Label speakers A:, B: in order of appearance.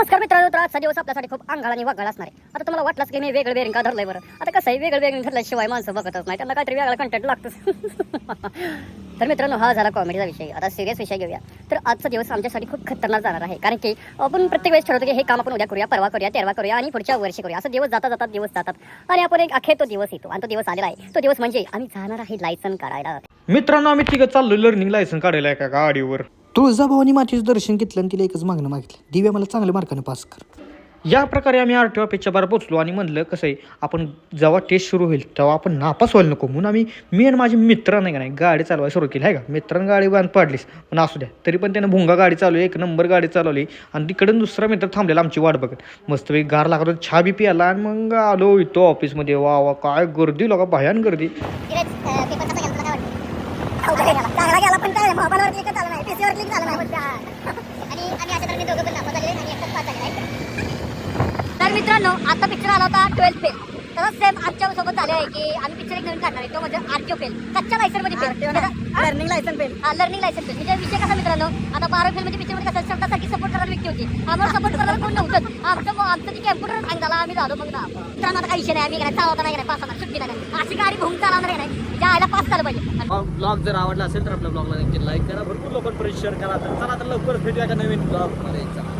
A: नमस्कार मित्रांनो, तर आजचा दिवस आपल्यासाठी खूप अंगाळ आणि वागाळ असणार आहे. आता तुम्हाला वाटलंच की मी वेगळं बेरिंग का धरलंय बरं. आता कसं आहे, वेगळं बेरिंग धरल्याशिवाय माणसं बघतच नाही, त्यांना काहीतरी वेगळा कंटेंट लागतंच. तर मित्रांनो, हा झाला कॉमेडीचा विषय. आता सिरियस विषय घेऊया. तर आजचा दिवस आमच्यासाठी खूप खतरनाक जाणार आहे, कारण की आपण प्रत्येक वेळेस ठरवतो की हे काम आपण उद्या करूया, परवा करूया, तेरवा करूया आणि पुढच्या वर्षी करूया. असं दिवस जातात दिवस जातात आणि आपण एक अखेर तो दिवस येतो आणि तो दिवस आलेला आहे. तो दिवस म्हणजे आम्ही जाणार आहे लायसन काढायला.
B: मित्रांनो, आम्ही तिघं चाललो लर्निंग लायसन काढायला एका गाडीवर.
C: तुळजाभवानी मातेचं दर्शन घेतलं आणि तिला एकच मागणं मागितलं, दिव्या मला चांगल्या मार्काने पास कर.
B: या प्रकारे आम्ही RTO ऑफिसच्या बाहेर पोचलो आणि म्हणलं कसं आहे, आपण जेव्हा टेस्ट सुरू होईल तेव्हा आपण नापास व्हायला नको म्हणून मी आणि माझे मित्र नाही का नाही गाडी चालवायला सुरू केली आहे का. मित्रांनी गाडी बांध पाडलीस पण असू द्या, तरी पण त्यानं भुंगा गाडी चालवली, एक नंबर गाडी चालवली आणि तिकडून दुसरा मित्र थांबलेला आमची वाट बघत. मस्तपैकी गार लागत होती, चहा बी प्याला आणि मग आलो इथं ऑफिसमध्ये. वा वा काय गर्दी, लोका भयान गर्दी.
A: चांगला गेला पण काय मोबाईलवर क्लिक झालं नाही, पीसीवर क्लिक झालं नाही. आणि आम्ही अशा तऱ्हेने दोघं पण नापास झाले आणि एकटाच पास झाले आहे. तर मित्रांनो, आता पिक्चर आला होता 12th फेल. तसंच सेम आमच्या सोबत झाले आहे की आम्ही पिक्चर एक नवीन काढणार आहे, तो म्हणजे RTO फेल, कच्च्या लायसन मध्ये fail, learning licence fail. Learning licence fail म्हणजे विषय कसा मित्रांनो, आता 12 फेल म्हणजे पिक्चर मध्ये कसं शब्दासारखी सपोर्ट करणारी व्यक्ती होती, आम्हाला सपोर्ट करायला कोण नव्हतं. आमचं ते कॅम्प्युटर हँग झाला, आम्ही झालो मग ना. मित्रांनो, आता काही विषय नाही, आम्ही काय चालवता नाही, पास होणार, सुट्टी नाही. अशी गाडी भूम चालवणार नाही, ज्या आयला पास झालं पाहिजे.
D: ब्लॉग जर आवडला असेल तर आपल्या ब्लॉगला नक्की लाईक करा, भरपूर लोकांपर्यंत शेअर करा. तर चला तर लवकर भेटूया का नवीन ब्लॉग मध्ये.